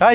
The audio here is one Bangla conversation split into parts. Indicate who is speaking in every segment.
Speaker 1: তাই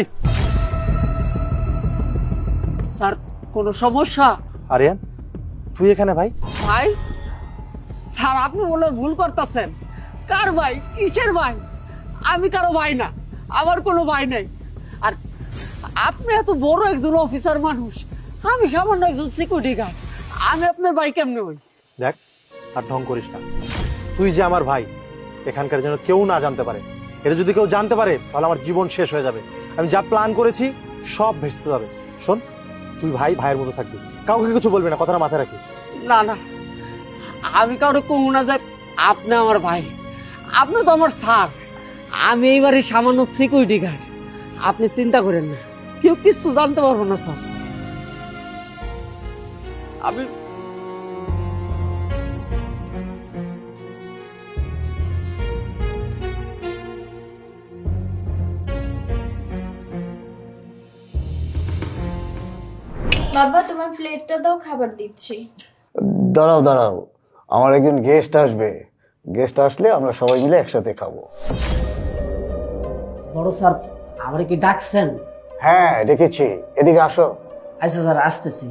Speaker 2: স্যার কোনো সমস্যা?
Speaker 1: আরিয়ান তুই এখানে ভাই?
Speaker 2: ভাই স্যার আপনি বলে ভুল করতেছেন। কার ভাই? কিসের ভাই? আমি কারো ভাই না, আমার কোনো ভাই নেই। আর আপনি এত বড় একজন অফিসার মানুষ, আমি সামান্য একজন সিকিউরিটি গার্ড, আমি আপনার ভাই কেমনে হই?
Speaker 1: দেখ আর ঢং করিস না। তুই যে আমার ভাই এখানকার যেন কেউ না জানতে পারে। এটা যদি কেউ জানতে পারে তাহলে আমার জীবন শেষ হয়ে যাবে। আমি যা প্ল্যান করেছি সব ভেস্তে যাবে। শোন, তুই ভাই ভাইয়ের মতো থাকবি, কাউকে কিছু বলবি না, কথাটা মাথায় রাখিস।
Speaker 2: না না, আমি কাউকে কমু না যে আপনি আমার ভাই। আপনি তো আমার স্যার, আমি এইবারে সামান্য সিকিউরিটি গার্ড। আপনি চিন্তা করেন না, কেউ কিছু জানতে পারবো না স্যার। আমি
Speaker 3: বাবা তোমার প্লেটটা দাও, খাবার দিচ্ছি।
Speaker 4: দাঁড়াও দাঁড়াও, আমার একজন গেস্ট আসবে। গেস্ট আসলে আমরা সবাই মিলে একসাথে খাবো।
Speaker 2: বড় স্যার আমারে কি ডাকছেন?
Speaker 4: হ্যাঁ ডেকেছি, এদিকে আসো।
Speaker 2: আচ্ছা স্যার আসতেছি।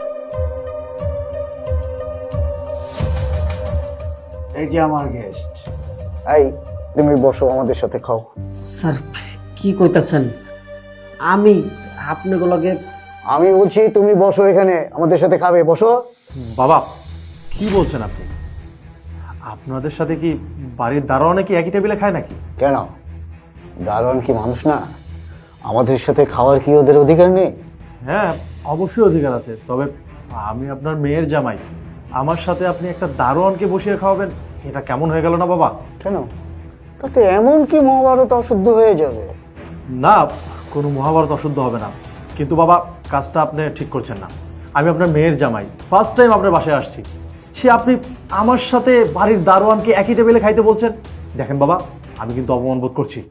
Speaker 4: এই যে আমার গেস্ট। এই তুমি বসো, আমাদের সাথে খাও।
Speaker 2: স্যার কি কইতাছেন? আমি আপনাগুলোকে
Speaker 4: আমি বলছি তুমি বসো, এখানে আমাদের সাথে খাবে, বসো।
Speaker 1: বাবা কি বলছেন আপনি? আপনাদের সাথে কি বাড়ির দারোয়ানে কি একই টেবিলে খায় নাকি?
Speaker 4: কেন, দারোয়ান কি মানুষ না? আমাদের সাথে খাওয়ার কি ওদের অধিকার নেই?
Speaker 1: হ্যাঁ অবশ্যই অধিকার আছে, তবে আমি আপনার মেয়ের জামাই, আমার সাথে আপনি একটা দারোয়ানকে বসিয়ে খাওয়াবেন, এটা কেমন হয়ে গেল না বাবা?
Speaker 4: কেন, তাতে এমন কি মহাভারত অশুদ্ধ হয়ে যাবে?
Speaker 1: না, কোনো মহাভারত অশুদ্ধ হবে না, কিন্তু বাবা কাজটা আপনি ঠিক করছেন না। আমি আপনার মেয়ের জামাই, ফার্স্ট টাইম আপনার বাসায় আসছি, সে আপনি আমার সাথে বাড়ির দারোয়ানকে একই টেবিলে খাইতে বলছেন। দেখেন বাবা, আমি কিন্তু অপমান বোধ করছি।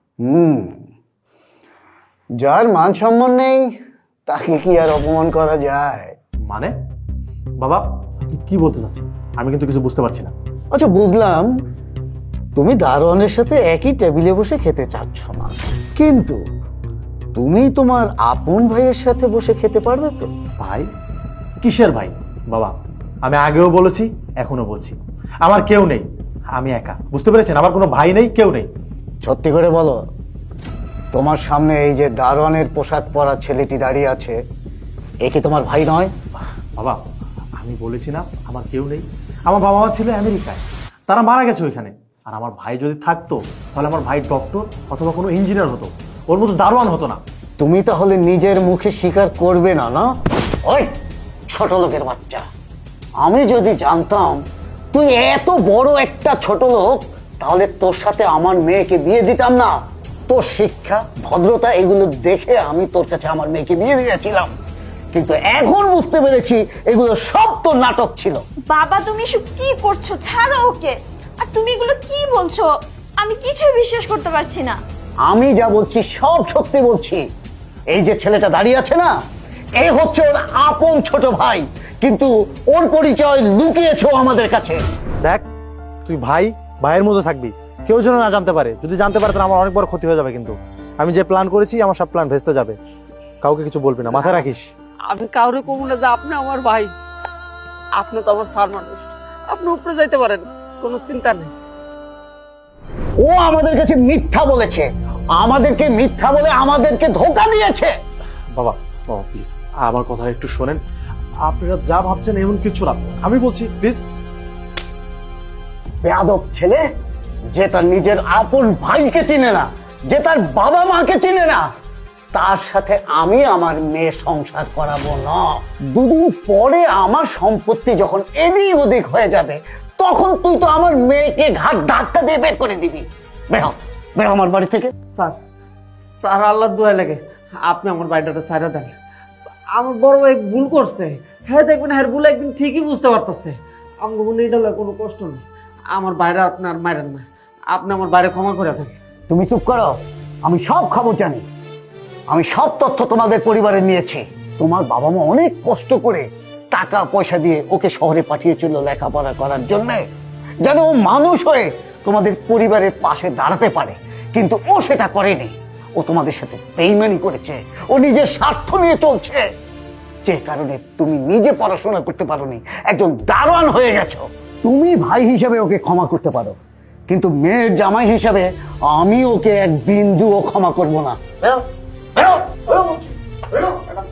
Speaker 4: যার মান সম্মান নেই তাকে কি আর অপমান করা যায়?
Speaker 1: মানে বাবা আপনি কি বলতে চাচ্ছেন? আমি কিন্তু কিছু বুঝতে পারছি না।
Speaker 4: আচ্ছা বুঝলাম, তুমি দারোয়ানের সাথে একই টেবিলে বসে খেতে চাচ্ছ না, কিন্তু তুমি তোমার আপন ভাইয়ের সাথে বসে খেতে পারবে তো?
Speaker 1: ভাই? কিসের ভাই বাবা? আমি আগেও বলেছি, এখনো বলছি, আমার কেউ নেই, আমি একা, বুঝতে পেরেছেন? আমার কোনো ভাই নেই, কেউ নেই।
Speaker 4: সত্যি করে বলো, তোমার সামনে এই যে দারোয়ানের পোশাক পরা ছেলেটি দাঁড়িয়ে আছে, এ কি তোমার ভাই নয়?
Speaker 1: বাবা আমি বলেছি না আমার কেউ নেই, আমার বাবা মা ছিল আমেরিকায়, তারা মারা গেছে ওইখানে। আর আমার ভাই যদি থাকতো তাহলে আমার ভাই ডক্টর অথবা কোনো ইঞ্জিনিয়ার হতো, ওর মতো দারোয়ান হতো না।
Speaker 4: তুমি তাহলে নিজের মুখে স্বীকার করবে না? না ওই ছোট লোকের বাচ্চা, আমি যদি জানতাম তুই এত বড় একটা ছোট লোক, তাহলে তোর সাথে আমার মেয়েকে বিয়ে দিতাম না। তোর শিক্ষা ভদ্রতা এগুলো দেখে আমি তোর কাছে আমার মেয়েকে বিয়ে দিয়েছিলাম, কিন্তু এখন বুঝতে পেরেছি এগুলো সব তোর নাটক ছিল।
Speaker 3: বাবা তুমি এসব কি করছো? ছাড়ো ওকে। আর তুমি এগুলো কি বলছো? আমি কিছুই বিশ্বাস করতে পারছি না।
Speaker 4: আমি যা বলছি সব সত্যি বলছি। এই যে ছেলেটা দাঁড়িয়ে আছে না, এই হচ্ছে ওর আপন ছোট ভাই, কিন্তু ওর পরিচয় লুকিয়েছো আমাদের কাছে।
Speaker 1: দেখ তুই ভাই ভাইয়ের মতো থাকবি, কেউ যেন না জানতে পারে। যদি জানতে পারে তাহলে আমার অনেক বড় ক্ষতি হয়ে যাবে। কিন্তু আমি যে প্ল্যান করেছি আমার সব প্ল্যান ভেস্তে যাবে। কাউকে কিছু বলবি না, মাথায় রাখিস।
Speaker 2: আমি কাউরে কমু না যে আপনি আমার ভাই। আপনি তো আমার স্যার মানুষ, আপনি উপরে যাইতে পারেন, কোনো চিন্তা নেই।
Speaker 4: ও আমাদের কাছে মিথ্যা বলেছে, আমাদেরকে মিথ্যা বলে আমাদেরকে ধোঁকা দিয়েছে।
Speaker 1: বাবা বাবা প্লিজ আমার কথা একটু শোনেন। আপনারা যা ভাবছেন এমন কিছু না, আমি বলছি প্লিজ।
Speaker 4: বেয়াদব ছেলে, যে তার নিজের আপন ভাইকে চিনে না, যে তার বাবা মাকে চিনে না, তার সাথে আমি আমার মেয়ে সংসার করাবো না। দুদিন পরে আমার সম্পত্তি যখন এদিক ওদিক হয়ে যাবে, তখন তুই তো আমার মেয়েকে ঘাট ধাক্কা দিয়ে বের করে দিবি। বেরো বেরো আমার বাড়ি থেকে।
Speaker 2: স্যার স্যার আল্লাহর দোয়া লাগে আপনি আমার বাড়িটা ছাড়া দেন। আমার বড় ভাই ভুল করছে, হ্যাঁ দেখবেন হ্যাঁ ভুল একদিন ঠিকই বুঝতে পারতেছে। আমার মনে এটা কোনো কষ্ট নেই, আমার বাইরে আপনার মারেন না, আপনি আমার বাইরে ক্ষমা করে দেন।
Speaker 4: তুমি চুপ করো, আমি সব খবর জানি, আমি সব তথ্য তোমাদের পরিবারে নিয়েছি। তোমার বাবা মা অনেক কষ্ট করে টাকা পয়সা দিয়ে ওকে শহরে পাঠিয়েছিল লেখাপড়া করার জন্য, যেন ও মানুষ হয়ে তোমাদের পরিবারের পাশে দাঁড়াতে পারে, কিন্তু ও সেটা করেনি। ও ও তোমাদের সাথে বেইমানি করেছে, ও নিজের স্বার্থ নিয়ে চলছে, যে কারণে তুমি নিজে পড়াশোনা করতে পারোনি, একজন দারোয়ান হয়ে গেছো। তুমি ভাই হিসেবে ওকে ক্ষমা করতে পারো, কিন্তু মেয়ের জামাই হিসেবে আমি ওকে এক বিন্দুও ক্ষমা করব না। বেরো, বেরো, বেরো বলছি, বেরো।